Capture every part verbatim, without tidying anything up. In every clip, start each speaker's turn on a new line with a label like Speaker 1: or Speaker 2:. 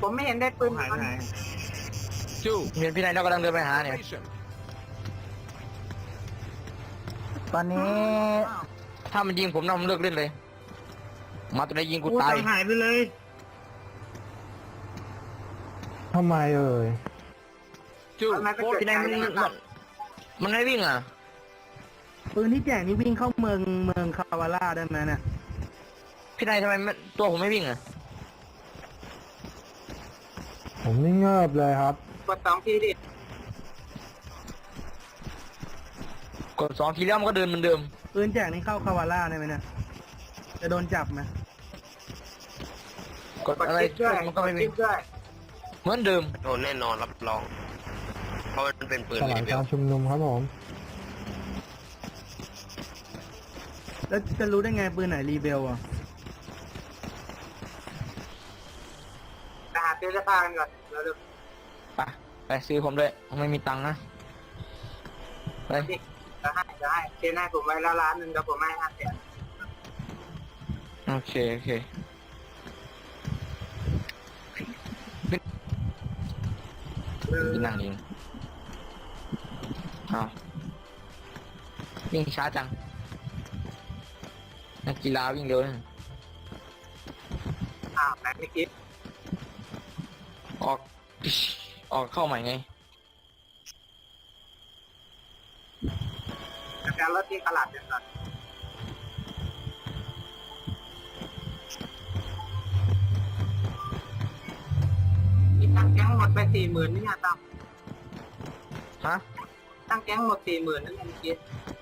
Speaker 1: ผมไม่เห็นได้ปืน
Speaker 2: หายไปไหน
Speaker 3: Two.
Speaker 4: เห็นพี่นายเรากำลังเดินไปหาเนี่ย
Speaker 3: Formation.
Speaker 5: ตอนนี้
Speaker 4: ถ้ามันยิงผมนะผมเลิกเล่นเลย มาตัวไหนยิงกู
Speaker 2: กู
Speaker 4: ตาย
Speaker 2: ตังหายไปเลย
Speaker 5: ทำไมเอ่ย
Speaker 3: Two.
Speaker 1: ทำไมไปเกิด
Speaker 4: พี่นายมัน
Speaker 1: ใจ
Speaker 4: มันมันไม่วิ่งอ่ะ
Speaker 5: ปืนที่แจกนี่วิ่งเข้าเมืองเมืองคาวาร่าได้ไหมเนี่ย
Speaker 4: พี่นายทำไมไม่ตัวผมไม่วิ่งอ่ะ
Speaker 5: ผมนี่เงิบเลยครับ
Speaker 1: กดสองทีดิ
Speaker 4: กดสองทีแล้วมันก็เดินเหมือนเดิม
Speaker 5: ปืนแจกนี่เข้าคาวาร่าได้ไหมเนี่ยจะโดนจับไหม
Speaker 4: กด
Speaker 1: กด
Speaker 4: อะไร
Speaker 1: คลิกด้วย
Speaker 4: มันก็ไม่
Speaker 1: คลิ
Speaker 4: วิ่ง
Speaker 1: กด้วย
Speaker 4: เหมือนเดิม
Speaker 6: โดนแน่นอนรับรอง เพราะมันเป็นปืน
Speaker 5: ส
Speaker 6: เล
Speaker 5: ลาย
Speaker 6: เว
Speaker 5: กา
Speaker 6: ล
Speaker 5: รชุมนุมครับผม แล้วจะรู้ได้ไงปืนไหนรีเบลอ่ะ
Speaker 1: ไปหาซื้อเสื้อผ้ากันก่อนแล้วเดี๋ยว
Speaker 4: ไปไปซื้อผมด้วยผมไม่มีตังค์นะไป
Speaker 1: นี่จะให้จะให้เชนให้ผมไว้แล้วร้านหนึ่งเดี๋ยวผมให้ห้าแสน
Speaker 4: โอเคโอเคพี่นั่งยิงอ้าววิ่งช้าจังนักกีฬาวิ่งเร็วนะ
Speaker 1: อ้าวไหนไม่คิด
Speaker 4: ออกออกเข้าใหม่ไง
Speaker 1: จัดการรถที่ตลาดกันก่อนนี่ตั้งแก๊งหมดไปสี่หมื่นนี่เนี่ยตั้ง
Speaker 4: ฮะ
Speaker 1: ตั้งแก๊งหมดสี่หมื่นนั่นเองคิด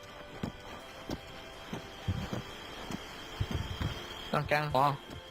Speaker 4: ต้องแกงอ๋อ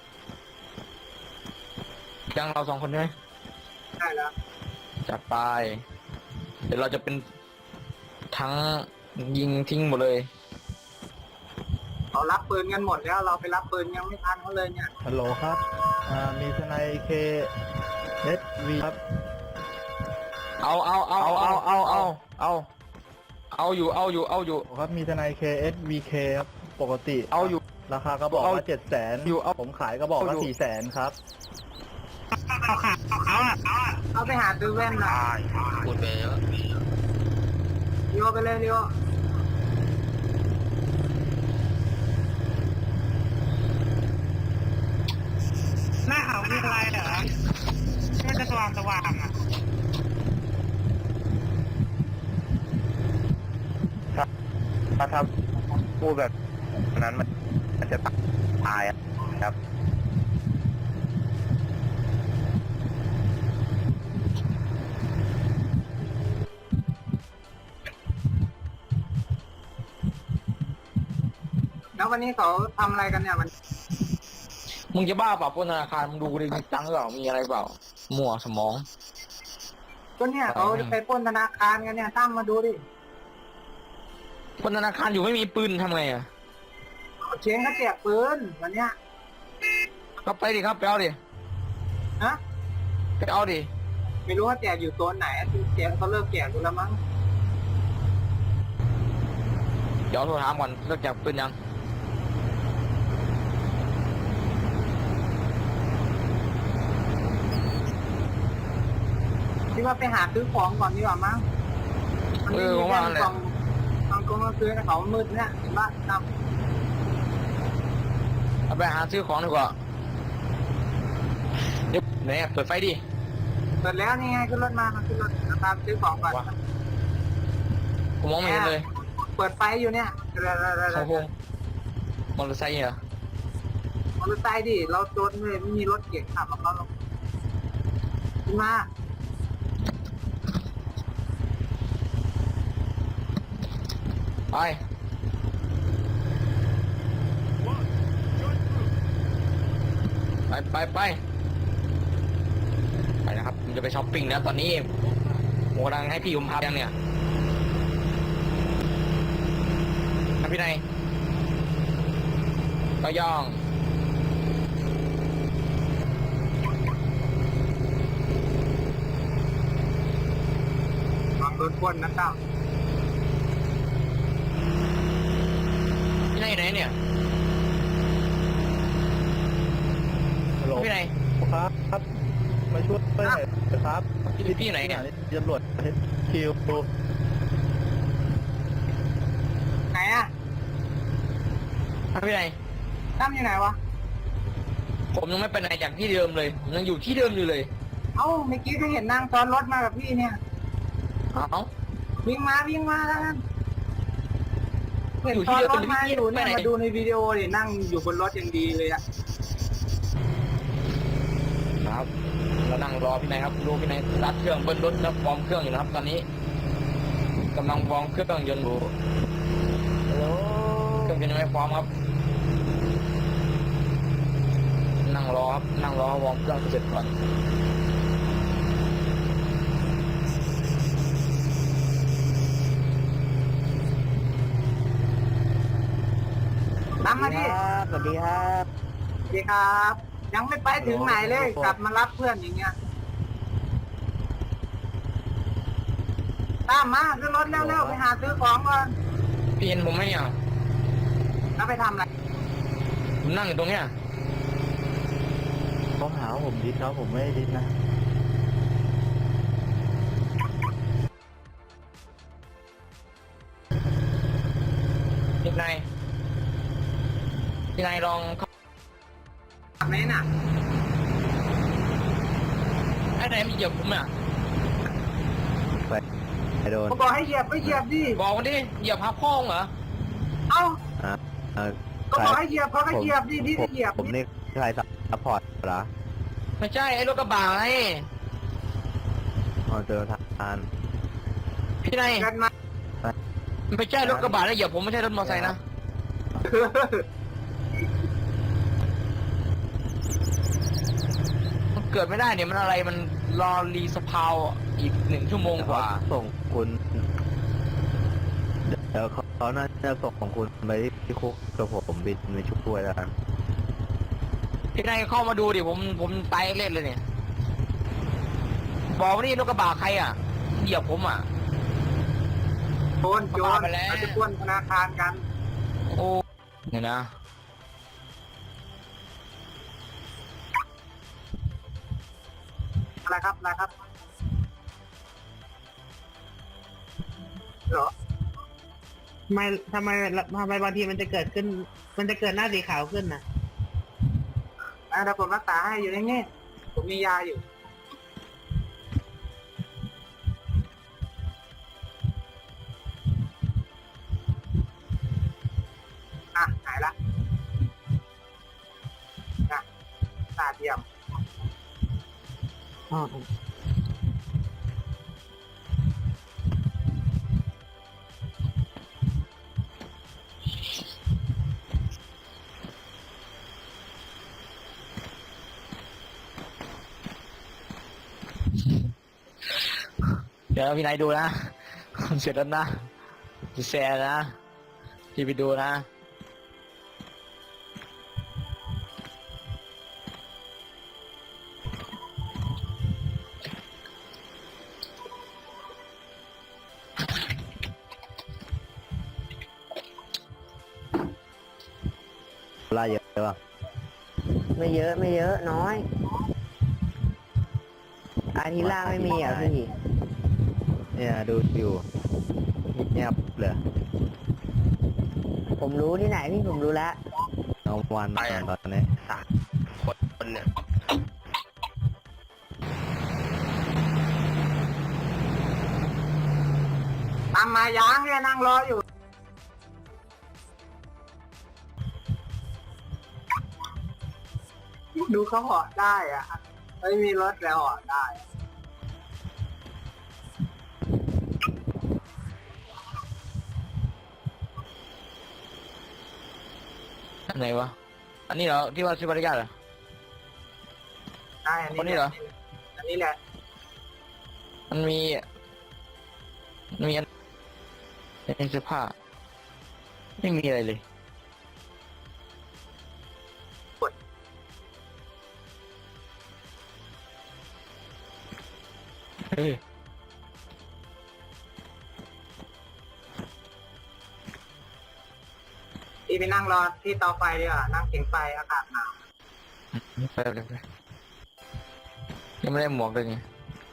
Speaker 4: แกงเราสองคนใช่ไหม
Speaker 1: ได้แล้ว
Speaker 4: จัดไปเดี๋ยวเราจะเป็นทั้งยิงทิ้งหมดเลย
Speaker 1: เขารับปืนกันหมดแล้วเราไปรับปืนยังไม่ทันเขาเลยเนี่ย
Speaker 5: ฮัลโหลครับ อ่า มีทนายเคเอสวีครับ
Speaker 4: เอาเอาเอาเอาเอาเอาเอาเอาอยู่เอาอยู่เอาอยู่
Speaker 5: ครับ มีทนายเคเอสวีเคครับ ปกติ
Speaker 4: เอาอยู่
Speaker 5: ราคาก็บอก
Speaker 4: เอา
Speaker 5: ว่าเจ็ดแสน
Speaker 4: อยู่เอา
Speaker 5: ผมขายก็บอกว่า
Speaker 4: เอาอยู่
Speaker 5: สี่แสนครับ
Speaker 1: เอาไปหาซื้อแว่นหน่อย
Speaker 6: พูดไปเยอะ
Speaker 1: เลี้ยวไปเลยเลี้ยว
Speaker 2: หน้าเขามีอะไรเหรอแค่จะสว่างสว่างอ่ะ
Speaker 6: ถ้าถ้าพูดแบบนั้นมันมันจะตายอะครับ
Speaker 1: แล้ววันนี้เขาทำอะไรกันเนี่ยมัน
Speaker 4: มึงจะบ้าเปล่าปล้นธนาคารมึงดูดิมีตังค์หรือเปล่ามีอะไรเปล่ามั่วสมอง
Speaker 1: ก็เนี่ยเขาจะไปปล้นธนาคารกันเนี่ยตั้มมาดูดิ
Speaker 4: ปล้นธนาคารอยู่ไม่มีปืนทำไงอ่ะ
Speaker 1: เชงเขาแจกปืนวันเนี้ย
Speaker 4: ก็ไปดิครับไปเอาดิ
Speaker 1: ฮะ
Speaker 4: ไปเอาดิ
Speaker 1: ไม่รู้ว่าแจกอยู่โซนไหนแจกเขาเลิกแจกกูแล้วมั้ง
Speaker 4: เดี๋ยวโทรถามก่อนเลิกจับปืนยัง
Speaker 1: คิดว่าไปหาซื้อของก่อนดีกว่ามั้งมัน
Speaker 4: เอ
Speaker 1: ไม่
Speaker 4: อ
Speaker 1: มี
Speaker 4: ผม
Speaker 1: แว่
Speaker 4: ว่าน แหละ
Speaker 1: กล่องกล่องกล่องก็ซื้อให้เขามืดเนี่ยเห็นปะตั้ม
Speaker 4: เอาไปหาซื้อของดีกว่าเดี๋ยวไหนอะเปิดไฟดิ
Speaker 1: เปิดแล้วนี่ไงขึ้นรถมามาขึ้นรถตามซื้อของก่อน
Speaker 4: ผมมองไม่เห็นเลย
Speaker 1: เปิดไฟอยู่เนี่ยเร็วๆ
Speaker 4: เขา
Speaker 1: ๆ
Speaker 4: คงมอเตอร์ไซค์เหรอ
Speaker 1: ๆมอเตอร์ไซค์ดิเราโดนเลยไม่มีรถเก๋งขับมาเขาลงขึ้นมา
Speaker 4: ไปไปไปไปไปนะครับผมจะไปช้อปปิ้งแล้วตอนนี้ผมกำลังให้พี่ผมพาไปยังเนี่ยครับพี่นายก็ย่อง
Speaker 1: ลองโดนปล้นนะตั้ม
Speaker 4: พี่นายอยู่ไหนเนี่ย
Speaker 5: ฮัลโหล
Speaker 4: พี่นาย
Speaker 5: ครับครับ
Speaker 6: มาช่วยหน่อยครับ
Speaker 4: พี่พี่ไหนเนี่ย
Speaker 6: ตำรวจคิว
Speaker 1: ไหนอ่ะ
Speaker 4: พี่ไหน
Speaker 1: ตั้มอยู่ไหนวะ
Speaker 4: ผมยังไม่ไปไหนจากที่เดิมเลยผมยังอยู่ที่เดิมอยู่เลย
Speaker 1: เอ้าเมื่อกี้ก็เห็นนั่งซ้อนรถมากับพี่เนี่ย
Speaker 4: เอ้า
Speaker 1: วิ่งมาวิ่งมาแล้วกันเห็น
Speaker 4: อยู่ที่
Speaker 1: ซ้อน
Speaker 4: เดิม
Speaker 1: รถมาอยู่เนี่ย
Speaker 4: ไปไหน
Speaker 1: มาดูในวิดีโอดินั่งอยู่บนรถอย่างดีเลยอะ
Speaker 4: ครับเรานั่งรอพี่นายครับดูพี่นายรัดเครื่องเบิ้ลรถแล้ววอร์มเครื่องอยู่นะครับ ตอนนี้กำลังวอร์มเครื่องยนต์อยู่เครื่องยนต์ยังไม่พร้อมครับ นั่งรอครับนั่งรอวอร์มเครื่องเสร็จก่อน
Speaker 1: ตามมาดิ
Speaker 6: สวัสดีครับ
Speaker 1: สวัสดีครับ ยังไม่ไปถึงไหนเลย กลับมารับเพื่อนอย่างเงี้ยตามมาขึ้นรถเร็วๆไปหาซื้อของก่อน
Speaker 4: พี่เห็นผมไหมเนี่ย
Speaker 1: แล้วไปทำอะไร
Speaker 4: ผมนั่งอยู่ตรงเนี้ย
Speaker 6: เขาหาว่าผมดิสครับผมไม่ได้ดิสนะ
Speaker 4: พี่นายพี่นายลองเข้า
Speaker 1: ทำไหมน่ะ
Speaker 4: ไอ้ไหนมันเหยียบผมอ่ะ
Speaker 6: ไปไปโดน
Speaker 1: เขาบอกให้เหยียบก็เหยียบดิ
Speaker 4: บอกมาดิเหยียบพับพ้องเหรอ
Speaker 1: เอ้า
Speaker 6: อ่าอ่า
Speaker 1: ก็บอกให้เหยียบเขาก็เหยียบดิพี่
Speaker 6: ผ
Speaker 1: ก็
Speaker 6: ม
Speaker 1: เหยียบ
Speaker 6: ผมนี่ใครซัพพอร์ตเหรอ
Speaker 4: ไม่ใช่ไอ้รถกระบะไง
Speaker 6: อ๋อเจอทาน
Speaker 4: พี่นาย
Speaker 1: กันมา
Speaker 4: ไม่ใช่รถกระบะนะเหยียบผมไม่ใช่รถมอเตอร์ไซค์นะมันเกิดไม่ได้เนี่ยมันอะไรมันรอรีสพาวอีกหนึ่งชั่วโมงกว่า
Speaker 6: ส่งคุณเดี๋ยวเขาเขาน่าจะส่งของคุณไปที่คุกกับผมบินไปช่วยแล้วกัน
Speaker 4: พี่นายเข้ามาดูดิผมผมตายเล่นเลยเนี่ยบอกว่านี่รถกระบะใครอ่ะเหยียบผมอ่ะ
Speaker 1: โจรโจร
Speaker 4: มาไปแล้ว
Speaker 1: เราจะปล้นธนาคารกัน
Speaker 4: โอ้เนี่ยนะ
Speaker 1: อะไรครับอะไรครับเหรอ
Speaker 2: ทำไมทำไมทำไมบางทีมันจะเกิดขึ้น มันจะเกิดหน้าสีขาวขึ้นนะ
Speaker 1: อ่ะเดี๋ยวผมรักษาให้อยู่ในนี่ผมมียาอยู่อ่ะหายละนะตาเทียม
Speaker 2: อ๋อ
Speaker 4: เดี๋ยวพี่นายดูนะเสร็จแล้วนะจะแชร์นะพี่ไปดูนะ
Speaker 6: ไล่เยอะป่ะ
Speaker 7: ไม่เยอะไม่เยอะน้อยอาทิตย์ล่างไม่มีอ่ะพี่
Speaker 6: เนี่ยดูอยู่เงียบเลย
Speaker 7: ผมรู้ที่ไหนพี่ผมรู้แล้ว
Speaker 6: เอาวันตอนตอนนี้
Speaker 4: คนเนี่ย
Speaker 1: ตามมายางเนี่ยนั่งรออยู่ ดูเขาเหาะได้อ่ะไม่มีรถแล้วเหาะได้
Speaker 4: อันไหนวะอันนี้เหรอที่ว่าชื่อบริการเหรอ
Speaker 1: ได้อัน
Speaker 4: คนนี้เหรอ
Speaker 1: อันนี้แหละ
Speaker 4: มันมีมันมีอันในเสื้อผ้าไม่มีอะไรเลยเฮ้ย
Speaker 1: พี่ไปนั่งรอที่เตาไฟดีกว่านั่งเขียงไฟอากาศหนาว
Speaker 4: ไปเลยไปยังไม่ได้หมวกเลยไง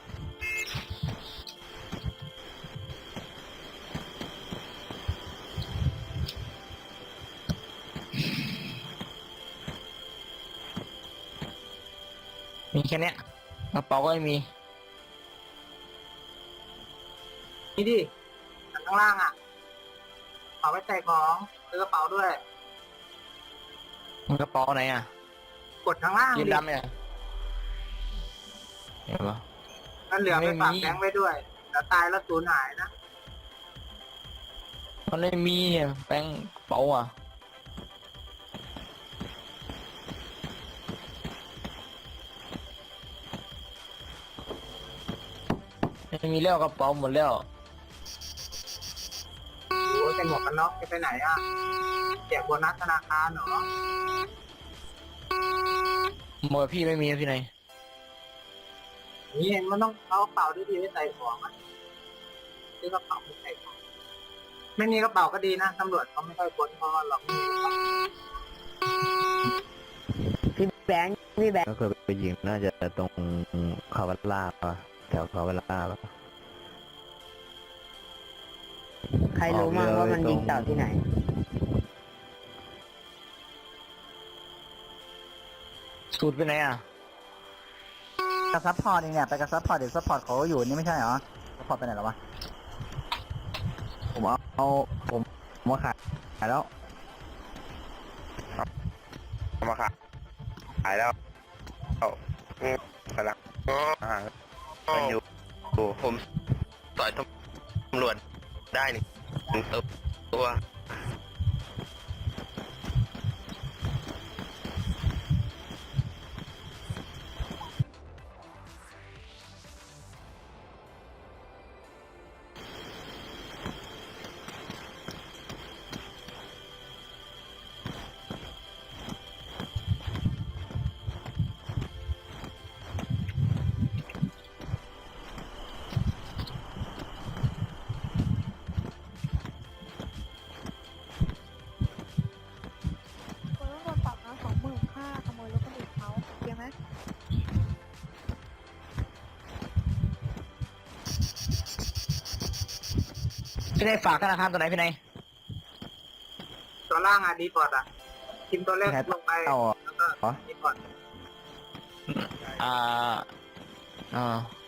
Speaker 4: มีแค่เนี้ยกระเป๋าก็ไม่มี
Speaker 1: นี่ดิข้างล่างอ่ะเอาไว้ใส่ของซื้อกระเป๋าด้วย
Speaker 4: มันกระเป๋าไหนอ่ะ
Speaker 1: กดข้างล่าง
Speaker 4: ยีน
Speaker 1: ดิ
Speaker 4: ดำเนี่ยเห็นปะ
Speaker 1: นั่นเหลือไป
Speaker 4: ไม่มี
Speaker 1: ฝากแบงค์ไว้ด้วยแต่ตายแล้วสูญหายนะ
Speaker 4: มันไม่มีเนี่ยแป้งกระเป๋าอ่ะไม่มีแล้วกระเป๋าหมดแล้ว
Speaker 1: โอ้ยเป็นหมวกกันน็อกจะไปไหนอ่ะแจกโบนัสธนาคารเหรอ
Speaker 4: หมดพี่ไม่มีนะพี่นาย
Speaker 1: นี่เองมันต้องเอากระเป๋าดีๆไว้ใส่ของอ่ะซื้อกระเป๋าไปใส่ของไม่มีกระเป๋าก็ดีนะตำรวจเขาไม่ค่อยค้นเพราะว่าเราไม่มีกระเป๋า
Speaker 7: พี่แบงค์พี่แบงค์
Speaker 6: ก็เคยไปยิงน่าจะตรงคาวัลลาปะแถวคาวัลลาปะ
Speaker 7: ใครรู้มั่งว่ามันยิงเต่าที่ไหน
Speaker 4: สูตรไปไหนอ่ะ
Speaker 5: กระซับพอร์ตเองเนี่ยไปกระซับพอร์ตเดี๋ยวซัพพอร์ตเขาอยู่นี่ไม่ใช่เหรอซัพพอร์ตไปไหนแล้ววะผมเอาเอาผมผมมาขายขายแล้ว
Speaker 6: เอามาขายขายแล้วเอากำลังอ่ามันอยู่ผมต่อยตำรวจได้หนึ่งตัว
Speaker 8: คนต้องโดนปรับนะสองหมื่นค่าขโมยรถคนอื่นเขาเกี่ยวไหม
Speaker 4: พี่นายฝากธนาคารตัวไหนพี่นาย
Speaker 1: ตัวล่างอ่ะดีพอร์ตอ่ะพิมพ์ตัวเลขลงไป
Speaker 5: เอาเหรอ
Speaker 1: แล้วก็ดีพอร์ต
Speaker 4: อ่าอ่า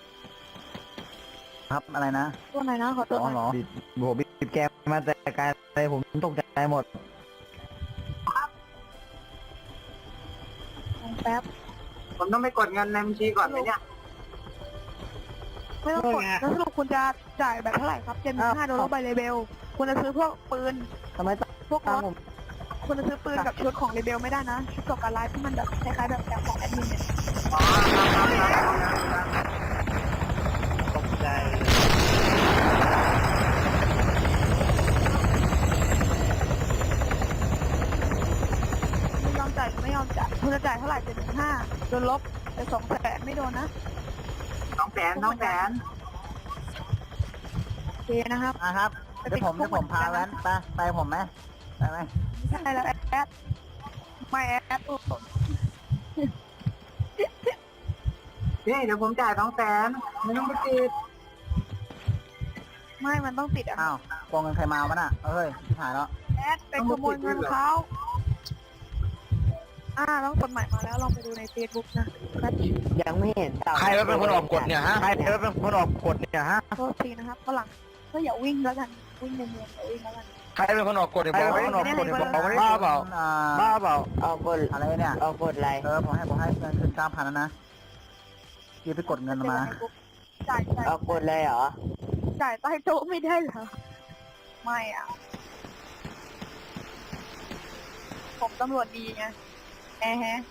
Speaker 5: ครับอะไรนะ
Speaker 8: ตัวไหนนะขอตัว
Speaker 5: อ๋อ
Speaker 8: หน่อย
Speaker 5: เหรอบิดโบบิดแกมมาแต่ไกลเลยผมตกใจหมด
Speaker 8: ลงแป๊บ
Speaker 1: ผมต้องไปกดเงินในบัญชีก่อนไหมเนี่ย
Speaker 8: ไม่ต้องกดแล้วสรุปคุณจะจ่ายแบบเท่าไหร่ครับเจ็ดหมื่นห้าโดลลาร์ใบเลเบลคุณจะซื้อพวกปืน
Speaker 5: ทำไมต้อง
Speaker 8: พวกร
Speaker 5: ตาม
Speaker 8: ถ
Speaker 5: ผม
Speaker 8: คุณจะซื้อปืนกับชุดของเลเบลไม่ได้นะชุดก่อการร้ายที่มันแบบคล้ายๆแบบแบบของแอดมินเนี่ย
Speaker 1: อ๋อครับครับครับครับครับ
Speaker 2: ตกใจ
Speaker 8: ไม่ยอมจ่ายไม่ยอมจ่ายคุณจะจ่ายเท่าไหร่เจ็ดหมื่นห้าโดนลบแต่สองแสนไม่โดนนะ
Speaker 1: น้องแสนน้องแสน
Speaker 8: โอเคนะครับ
Speaker 5: อ่ะครับเดี๋ยวผมเดี๋ยวผมพาแว้นไปไปผมไหมไปไหม
Speaker 8: ไม่ใช่แล้วแอดไม่แอดโอ้โห
Speaker 1: นี่เดี๋ยวผมจ่ายสองแสนไม่ต้องไปติด
Speaker 8: ไม่มันต้องติดอ่ะ
Speaker 5: อ้าวโกงเงินใครมาวะน่ะเอ้ยหายแล้ว
Speaker 8: แอดไปขโมยเงินเขาอ่าต้องกฎหมายมาแล้วลองไปดูในเฟซบุ๊กนะแป๊บ
Speaker 7: ยังไม่เห็นเต่า
Speaker 4: ใครเป็นคนออกกฎเนี่ยฮะใครเป็นคนออกกฎเนี่ยฮะ
Speaker 8: โทษทีนะครับฝรั่งก็อย่าวิ่งแล้วกันวิ่งในเมืองอย่าวิ่งแล้วกัน
Speaker 4: ใครเป็นคนออกกฎเนี่ยบอกว่าคนออกกฎเนี่ยบอกว่าบ้าเปล่า
Speaker 5: อ่า
Speaker 4: บ้าเปล่า
Speaker 7: ออกกฎ
Speaker 5: อะไรเนี่ย
Speaker 7: ออกกฎอะไร
Speaker 5: เออผมให้ผมให้เงินคืนเก้าพันแล้วนะยี่ไปกดเงินมา
Speaker 8: จ่ายจ่าย
Speaker 7: ออกกฎเลยเหรอ
Speaker 8: จ่ายใต้โต๊ะไม่ได้เหรอไม่อ่ะผมตำรวจดีไงแอะฮะ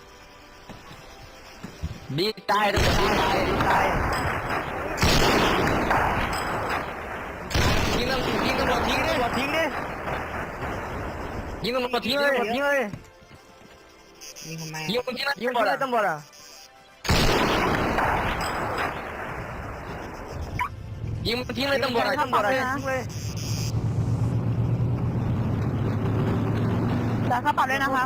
Speaker 4: ดีตายดีตายดีตายยิงตำรวจยิงตำรวจทิ้งดิทิ้งดิยิงตำรวจทิ้งเลยทิ้งเลย
Speaker 2: นี่ทำไม
Speaker 4: ยิงคนที่นั่นยิงคนที่ตำรวจอ่ะยิงมันทิ้งเลยตำรวจอ่ะตำรวจอ่ะทิ้งเลย
Speaker 8: จ่ายค่าปรับด้วยนะครับ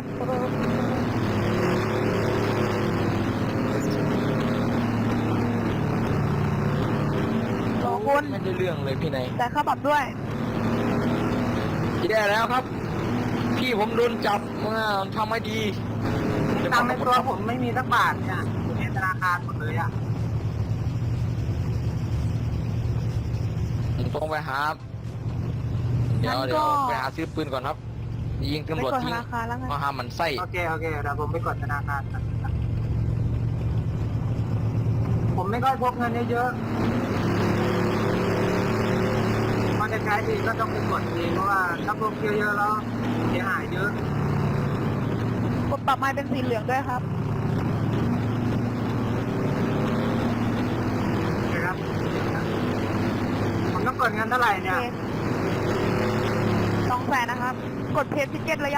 Speaker 8: คุณ
Speaker 4: ไม่ได้เรื่องเลยพี่นาย
Speaker 8: แต่ค่าปรับด้วย
Speaker 4: แย่แล้วครับ พี่ผมโดนจับมาทำไม่ดี
Speaker 1: ตังค์ในตัวผมไม่มีสักบาทเนี่ยอยู่ในธนาคารหมดเลยอ่ะ
Speaker 4: ผมต้องไปหาเดี๋ยว
Speaker 8: งั้นก็
Speaker 4: เดี๋ยวไปหาซื้อปืนก่อนครับ ยิง
Speaker 8: ไป
Speaker 4: ตำรวจ
Speaker 8: กดธ
Speaker 4: ทิ้ง
Speaker 8: นาคารแล้วไง
Speaker 4: มาหามันไส้
Speaker 1: โอเคโอเคเดี๋ยวผมไปกดธนาคารก่อนผมไม่ค่อยพกเงินเยอะๆพอจะใช้ทีก็ต้องไปกดเองเพราะว่าถ้าพกเยอะๆแล้วเสียหายเยอะ
Speaker 8: กดปรับไม้เป็นสีเหลืองด้วยครับ
Speaker 1: นะครับผมต้องกดเงินเท่าไหร่เนี่ย
Speaker 8: สองแสนนะครับ กดเพจทิเก็ตแล้วยัง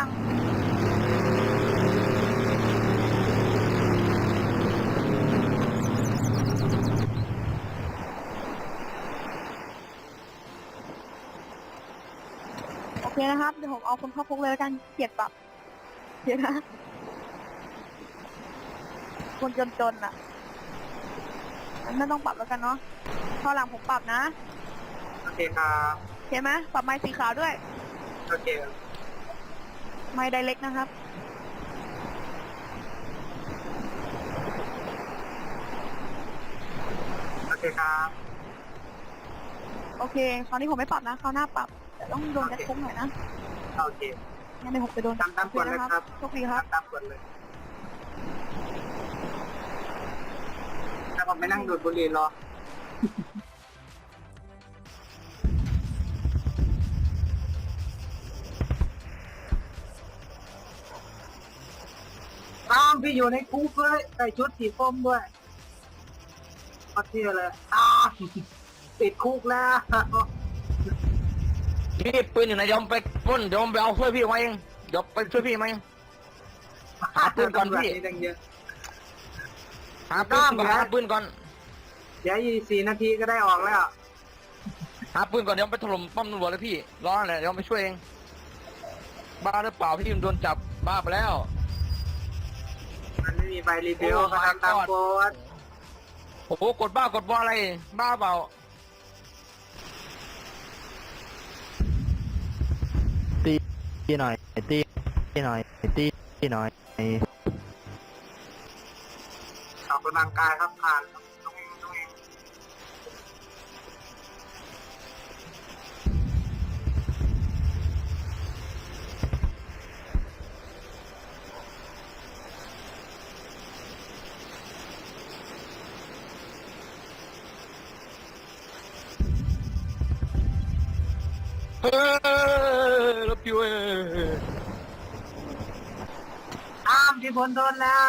Speaker 8: โอเคนะครับ เดี๋ยวผมเอาคนเข้าคุกเลยแล้วกันเกลียดปรับเดี๋ยวนะ คนจนๆอ่ะงั้นไม่ต้องปรับแล้วกันเนาะคราวหลังผมปรับนะ
Speaker 1: โอเคครับ
Speaker 8: โอเคไหมปรับไม้สีขาวด้วย
Speaker 1: โอเค
Speaker 8: ไม้ไดเล็กนะครับ
Speaker 1: โอเคครับ
Speaker 8: โอเค คราวนี้ผมไม่ปรับนะ คราวหน้าปรับ แต่ต้องโดนยัดคุกหน่อยนะ
Speaker 1: โอเค
Speaker 8: งั้นเดี๋ยวผมไปโดน
Speaker 1: ตามตามกฎเลยครับ
Speaker 8: โชคดีครับ
Speaker 1: ตามกฎเลยถ้าผมไม่นั่งดูดบุหรี่รอ ตามพี่อยู่ในคุกเลยใส่ชุดสีส้มด้วยก็เที่ยเลยอ้าวติดคุกแล้ว
Speaker 4: พี่ปืนอยู่ไหนเดี๋ยวผมไปปล้นเดี๋ยวผมไปเอาช่วยพี่มาเองเดี๋ยวไปช่วยพี่มาเองหาปืนก่อนพี่
Speaker 1: ตำรวจตั้งเยอะ
Speaker 4: หาปืนก่อนหาปืนก่อน
Speaker 1: เดี๋ยวอีกสี่นาทีก็ได้ออกแล้ว
Speaker 4: หาปืนก่อนเดี๋ยวไปถล่มป้อมตำรวจเลยพี่รอแหละเดี๋ยวไปช่วยเองบ้าหรือเปล่าพี่โดนจับบ้าไปแล้ว
Speaker 1: มันไม่มีใบรีวิว
Speaker 4: โอ้
Speaker 1: ก็ทำตาม
Speaker 4: my god
Speaker 1: โค้ด
Speaker 4: โอ้โหกดบ้ากดบ้าอะไรบ้าเปล่า
Speaker 5: ตีตีหน่อยตีตีหน่อยตีตีหน่อย
Speaker 1: ออกกำลังกายครับผ่านต้องเองต้องเอง
Speaker 4: เฮ้ยรถพิวเอ้ย
Speaker 1: อ้ามที่พ้นโดนแล้ว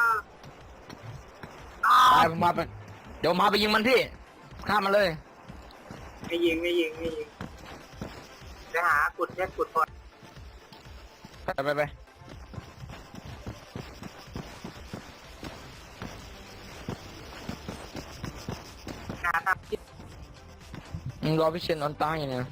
Speaker 1: อ้า
Speaker 4: ไป
Speaker 1: ม
Speaker 4: ผมมาไปเดี๋ยวมาไปยิงมันพี่ฆ่ามันเลย
Speaker 1: ไม่ยิงไม่ยิงไม่ยิงไปหากุดแค่กุดพอ
Speaker 4: ไปไปไป
Speaker 1: หาทำที่
Speaker 4: มึงรอพี่เชนออนตายอย่างเนี้ย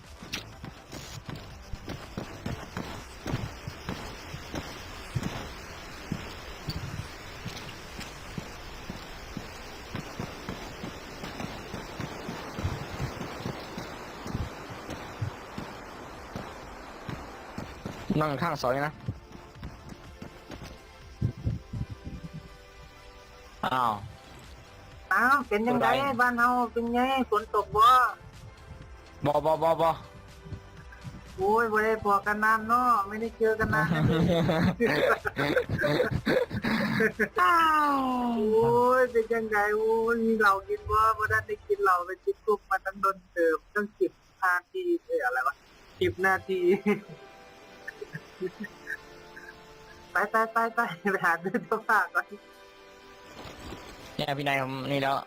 Speaker 4: นั่งข้างซอยนะอ้าว
Speaker 1: อ้าวเป็นยังไงบ้านเฮาเป็นไงฝนตกบ่
Speaker 4: บอบอบอบอ
Speaker 1: โอ้ยไม่ได้พอกันนานเนาะไม่ได้เจอกันนานนะโอ้ยเป็นยังไงโอ้ยมีเรากินบ่พอได้ได้กินเราไปจิบกุ๊กมาตั้งโดนเติมตั้งสิบนาทีเอ้ยอะไรวะสิบนาที ไปไปไปไปไปหาดูเสื้อผ้าก่อน
Speaker 4: เนี่ยพี่นายผมนี่แล้ว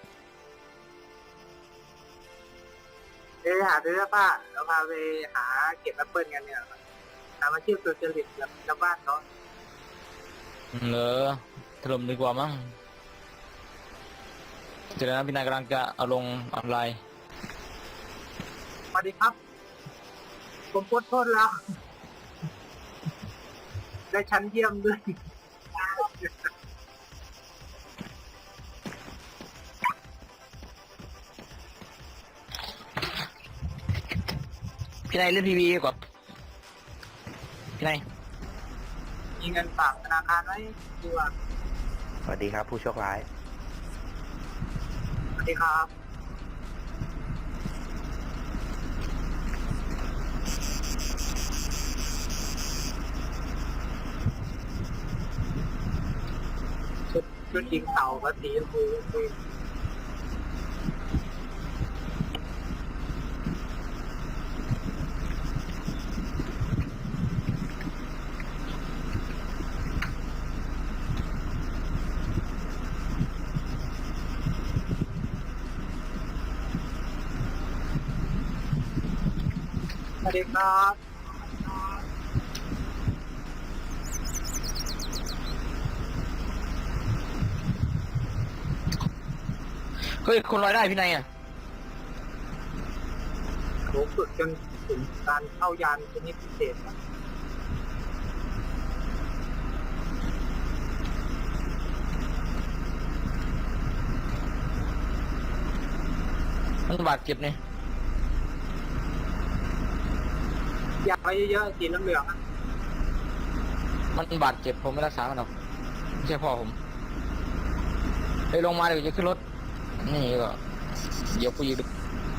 Speaker 1: เอ้ยหาดูเสื้อผ้าเราพาไปหาเก็บแอปเปิลกันเนี่ยหามาเที่ยวตัวจริตกับชาวบ้านเขา
Speaker 4: เหรอถล่มดีกว่ามั้งเจอแล้วนะพี่นายกำลังจะเอาลงออนไลน์
Speaker 1: สวัสดีครับ ผมพ้นโทษแล้ว ได้ชั้นเยี่ยมด้วย
Speaker 4: พี่นายเล่นพีวีก่อนพี่นาย
Speaker 1: มีเงินฝากธนาคารไว้ดีกว่า
Speaker 6: สวัสดีครับ ผู้โชคร้าย
Speaker 1: สวัสดีครับชุดชุดยิงเต่าก็สีชมพูคุย สวัสดีครับ
Speaker 4: เฮ้ยคนลอยได้พี่นายอ่ะ
Speaker 1: โหฝึกจนถึงการเข้ายานชนิดพิเศษ
Speaker 4: มันบาดเจ็บเนี่ย
Speaker 1: อยากไปเยอะๆสีเหลืองๆอะ
Speaker 4: มันบาดเจ็บผมไม่รักษามันหรอกไม่ใช่พ่อผมไปลงมาเดี๋ยวจะขึ้นรถนี่ก็เดี๋ยวกูยืน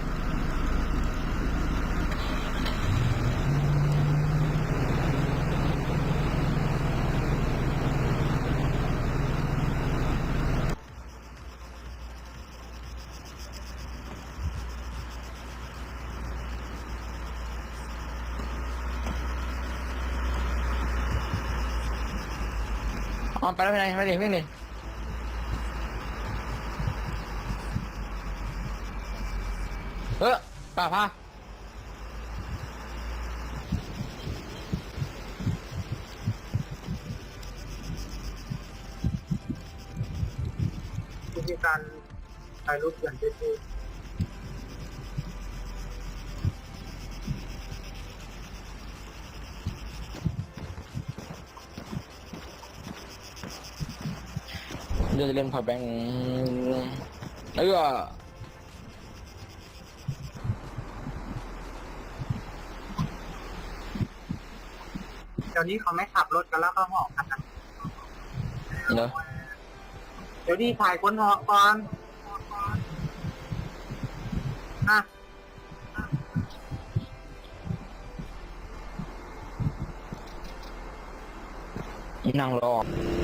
Speaker 4: อ๋อไปแล้วพี่นายไปดิวิ่งดิเออป่าพา
Speaker 1: วิธีการถ่ายรูปเปลี่ยนเฟซบุ๊ก
Speaker 4: เดี๋ยวจะเล่นพอแบงค์แล้วก็
Speaker 1: เดี๋ยวนี้เขาไม่ขับรถกันแล้วก็หอกกันนะ
Speaker 4: เนาะ
Speaker 1: เดี๋ยวนี้ถ่ายคนหอกก่อนอ่ะ
Speaker 4: นั่งรอ